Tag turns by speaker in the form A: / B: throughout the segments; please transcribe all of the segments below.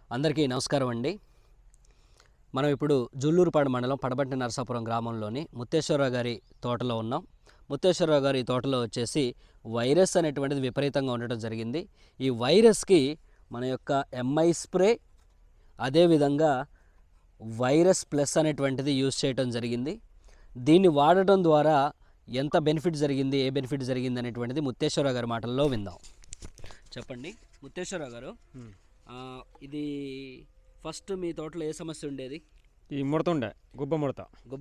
A: అందరికీ నమస్కారం అండి. మనం ఇప్పుడు జుల్లూరుపాడు మండలం పడబట్టి నరసాపురం గ్రామంలోని ముత్తేశ్వరరావు గారి తోటలో ఉన్నాం. ముత్తేశ్వరరావు గారి తోటలో వచ్చేసి వైరస్ అనేటువంటిది విపరీతంగా ఉండటం జరిగింది. ఈ వైరస్కి మన యొక్క ఎంఐ స్ప్రే అదేవిధంగా వైరస్ ప్లస్ అనేటువంటిది యూజ్ చేయడం జరిగింది. దీన్ని వాడటం ద్వారా ఎంత బెనిఫిట్ జరిగింది, ఏ బెనిఫిట్ జరిగింది అనేటువంటిది ముత్తేశ్వరరావు గారి మాటల్లో విందాం. చెప్పండి ముత్తేశ్వరరావు గారు, ఇది ఫస్ట్ మీ తోటలో ఏ సమస్య ఉండేది?
B: ఈ ముడత ఉండే, గుబ్బ ముడత.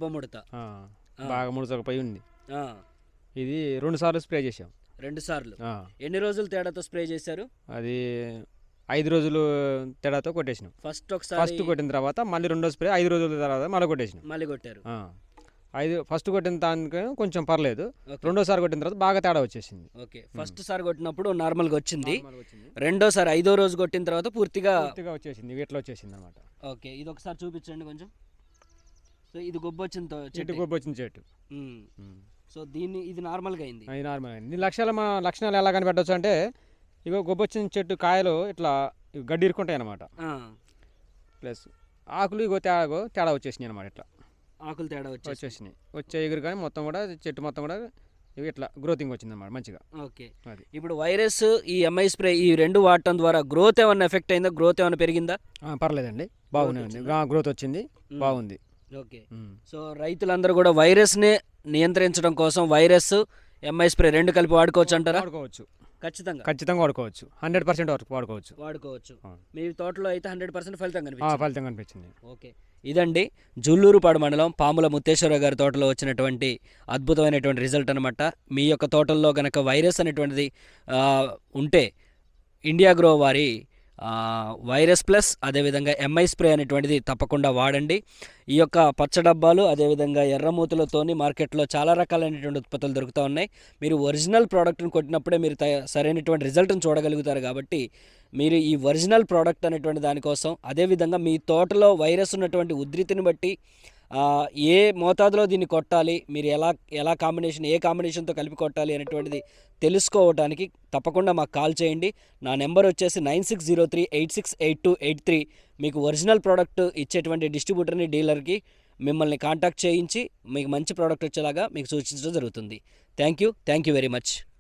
B: బాగా ముడతకపోయి ఉంది. ఇది 2 సార్లు స్ప్రే చేసాం.
A: 2 సార్లు. ఎన్ని రోజులు తేడాతో స్ప్రే చేశారు?
B: అది 5 రోజులు తేడాతో కొట్టేసినాం. ఫస్ట్ కొట్టిన తర్వాత మళ్ళీ 2వ స్ప్రే 5 రోజుల తర్వాత మళ్ళీ కొట్టేసినాం.
A: మళ్ళీ కొట్టారు.
B: ఫస్ట్ కొట్టిన దానికి కొంచెం పర్లేదు, 2వసారి కొట్టిన తర్వాత బాగా తేడా వచ్చేసింది.
A: ఓకే, ఫస్ట్ సారి కొట్టినప్పుడు నార్మల్గా వచ్చింది. 2వసారి 5వ రోజు కొట్టిన తర్వాత పూర్తిగా
B: వచ్చేసింది, వీటిలో వచ్చేసింది అనమాట.
A: ఓకే, ఇది ఒకసారి చూపించండి కొంచెం. సో ఇది గొబ్బ వచ్చిన
B: చెట్టు.
A: సో ఇది నార్మల్గా అయింది.
B: దీని లక్షణాలు ఎలా కనిపెట్టవచ్చు అంటే, ఇగో గొబ్బొచ్చిన చెట్టు కాయలు ఇట్లా గడ్డి ఇరుకుంటాయి అనమాట. ప్లస్ ఆకులు ఇగో తేడా వచ్చేసినాయి అనమాట. ఇట్లా
A: ఆకులు తేడా
B: వచ్చేసినాయి, వచ్చే ఎగురు కానీ మొత్తం కూడా చెట్టు మొత్తం కూడా ఇట్లా గ్రోతింగ్ వచ్చింది అన్నమాట మంచిగా.
A: ఓకే, ఇప్పుడు వైరస్ ఈ ఎంఐ స్ప్రే ఈ 2 వాడటం ద్వారా గ్రోత్ ఏమన్నా ఎఫెక్ట్ అయిందా? గ్రోత్ ఏమైనా పెరిగిందా?
B: పర్లేదండి, బాగునే ఉంది, గ్రోత్ వచ్చింది, బాగుంది.
A: ఓకే, సో రైతులందరూ కూడా వైరస్ని నియంత్రించడం కోసం వైరస్ ఎంఐ స్ప్రే 2 కలిపి వాడుకోవచ్చు అంటారా?
B: వాడుకోవచ్చు,
A: ఖచ్చితంగా
B: వాడుకోవచ్చు. 100% వరకు
A: వాడుకోవచ్చు. మీ తోటలో అయితే 100%
B: ఫలితం కనిపించింది.
A: ఓకే, ఇదండి జుల్లూరుపాడు మండలం పాముల ముత్తేశ్వరరావు గారి తోటలో వచ్చినటువంటి అద్భుతమైనటువంటి రిజల్ట్ అనమాట. మీ యొక్క తోటల్లో కనుక వైరస్ అనేటువంటిది ఉంటే ఇండియా గ్రో వారి వైరస్ ప్లస్ అదేవిధంగా ఎంఐ స్ప్రే అనేటువంటిది తప్పకుండా వాడండి. ఈ యొక్క పచ్చ డబ్బాలు అదేవిధంగా ఎర్రమూతులతోని మార్కెట్లో చాలా రకాలైనటువంటి ఉత్పత్తులు దొరుకుతూ ఉన్నాయి. మీరు ఒరిజినల్ ప్రోడక్ట్ని కొట్టినప్పుడే మీరు సరైనటువంటి రిజల్ట్ని చూడగలుగుతారు. కాబట్టి మీరు ఈ ఒరిజినల్ ప్రోడక్ట్ అనేటువంటి దానికోసం అదేవిధంగా మీ తోటలో వైరస్ ఉన్నటువంటి ఉధృతిని బట్టి ఏ మోతాదులో దీన్ని కొట్టాలి, మీరు ఎలా ఏ కాంబినేషన్తో కలిపి కొట్టాలి అనేటువంటిది తెలుసుకోవడానికి తప్పకుండా మాకు కాల్ చేయండి. నా నెంబర్ వచ్చేసి 9603868283. మీకు ఒరిజినల్ ప్రోడక్ట్ ఇచ్చేటువంటి డిస్ట్రిబ్యూటర్ని డీలర్కి మిమ్మల్ని కాంటాక్ట్ చేయించి మీకు మంచి ప్రోడక్ట్ వచ్చేలాగా మీకు సూచించడం జరుగుతుంది. Thank you very much.